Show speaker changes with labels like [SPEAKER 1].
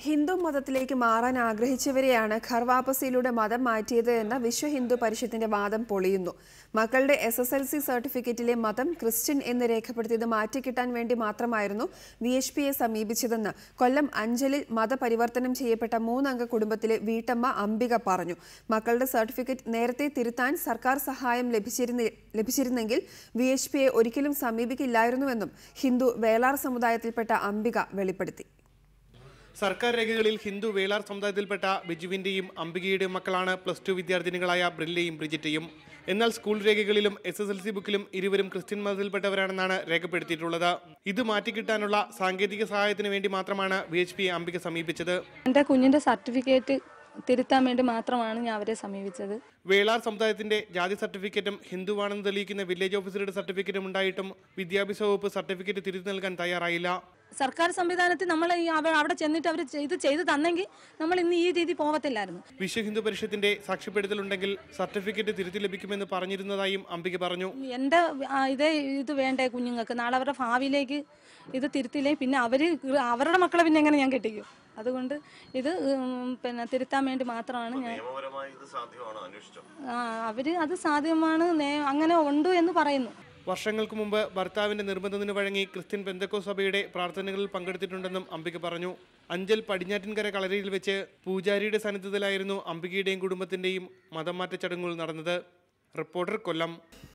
[SPEAKER 1] ഹിന്ദു മതത്തിലേക്ക് മാറാൻ ആഗ്രഹിച്ചവരെയാണ് ഘർ വാപസിയിലൂടെ മതം മാറ്റിയത് എന്ന വിശ്വ ഹിന്ദു പരിഷത്തിന്റെ വാദം പൊളിയുന്നു. മക്കളുടെ SSLC സർട്ടിഫിക്കറ്റിലെ മതം ക്രിസ്ത്യൻ എന്ന് രേഖപ്പെടുത്തിയത് മാറ്റിക്കിട്ടാൻ വേണ്ടി മാത്രമായിരുന്നു VHPയെ സമീപിച്ചതെന്ന് കൊല്ലം അഞ്ചലിൽ മതപരിവർത്തനം ചെയ്യപ്പെട്ട 3 അംഗ കുടുംബത്തിലെ വീട്ടമ്മ അംബിക പറഞ്ഞു. മക്കളുടെ സർട്ടിഫിക്കറ്റ് നേരത്തെ തിരുത്താൻ സർക്കാർ സഹായം ലഭിച്ചിരുന്നെങ്കിൽ VHPയെ ഒരിക്കലും സമീപിക്കില്ലായിരുന്നുവെന്നും ഹിന്ദു വേളാർ സമുദായത്തിൽപ്പെട്ട അംബിക വെളിപ്പെടുത്തി.
[SPEAKER 2] സർക്കാർ രേഖകളിൽ ഹിന്ദു വേളാർ സമുദായത്തിൽപ്പെട്ട ബിജുവിന്റെയും അംബികയുടെയും മക്കളാണ് +2 വിദ്യാർത്ഥിനികളായ ബ്രില്ലയും ബ്രിജിറ്റയും. എന്നാൽ സ്കൂൾ രേഖകളിലും SSLC ബുക്കിലും ഇരുവരും ക്രിസ്ത്യൻ മതത്തിൽപ്പെട്ടവരാണെന്നാണ് രേഖപ്പെടുത്തിയിട്ടുള്ളത്. ഇത് മാറ്റിക്കിട്ടാനുള്ള സാങ്കേതിക സഹായത്തിന് വേണ്ടി മാത്രമാണ് VHPയെ അംബിക സമീപിച്ചത്.
[SPEAKER 3] എൻ്റെ കുഞ്ഞിന്റെ സർട്ടിഫിക്കറ്റ് തിരുത്താൻ വേണ്ടി മാത്രമാണ് ഞാൻ അവരെ സമീപിച്ചത്.
[SPEAKER 2] വേളാർ സമുദായത്തിന്റെ ജാതി സർട്ടിഫിക്കറ്റും ഹിന്ദുവാണെന്ന് തെളിയിക്കുന്ന വില്ലേജ് ഓഫീസറുടെ സർട്ടിഫിക്കറ്റും ഉണ്ടായിട്ടും വിദ്യാഭ്യാസ വകുപ്പ് സർട്ടിഫിക്കറ്റ് തിരുത്തി നൽകാൻ തയ്യാറായില്ല.
[SPEAKER 3] സർക്കാർ സംവിധാനത്തിൽ നമ്മൾ അവിടെ ചെന്നിട്ട് അവർ ഇത് ചെയ്തു തന്നെങ്കിൽ നമ്മൾ ഇന്ന് ഈ രീതി പോകത്തില്ലായിരുന്നു.
[SPEAKER 2] വിശ്വ ഹിന്ദു പരിഷത്തിന്റെ സാക്ഷ്യപ്പെടുത്തലുണ്ടെങ്കിൽ സർട്ടിഫിക്കറ്റ് തിരുത്തി ലഭിക്കുമെന്ന് പറഞ്ഞിരുന്നതായും അംബിക പറഞ്ഞു.
[SPEAKER 3] എൻ്റെ ഇത് വേണ്ടേ കുഞ്ഞുങ്ങൾക്ക്, നാളെ അവരുടെ ഭാവിയിലേക്ക് ഇത് തിരുത്തില്ലേ പിന്നെ അവരുടെ മക്കളെ പിന്നെ എങ്ങനെ ഞാൻ കെട്ടിക്കും. അതുകൊണ്ട് ഇത് തിരുത്താൻ വേണ്ടി മാത്രമാണ് ഞാൻ. അത് സാധ്യമാണ്, അങ്ങനെ ഉണ്ട് എന്ന് പറയുന്നു.
[SPEAKER 2] വർഷങ്ങൾക്ക് മുമ്പ് ഭർത്താവിന്റെ നിർബന്ധത്തിന് വഴങ്ങി ക്രിസ്ത്യൻ പെന്തക്കോസ്ത് സഭയുടെ പ്രാർത്ഥനകളിൽ പങ്കെടുത്തിട്ടുണ്ടെന്നും അംബിക പറഞ്ഞു. അഞ്ചൽ പടിഞ്ഞാറ്റിൻകര കളരിയിൽ വെച്ച് പൂജാരിയുടെ സാന്നിധ്യത്തിലായിരുന്നു അംബികയുടെയും കുടുംബത്തിന്റെയും മതം മാറ്റ ചടങ്ങുകൾ നടന്നത്. റിപ്പോർട്ടർ, കൊല്ലം.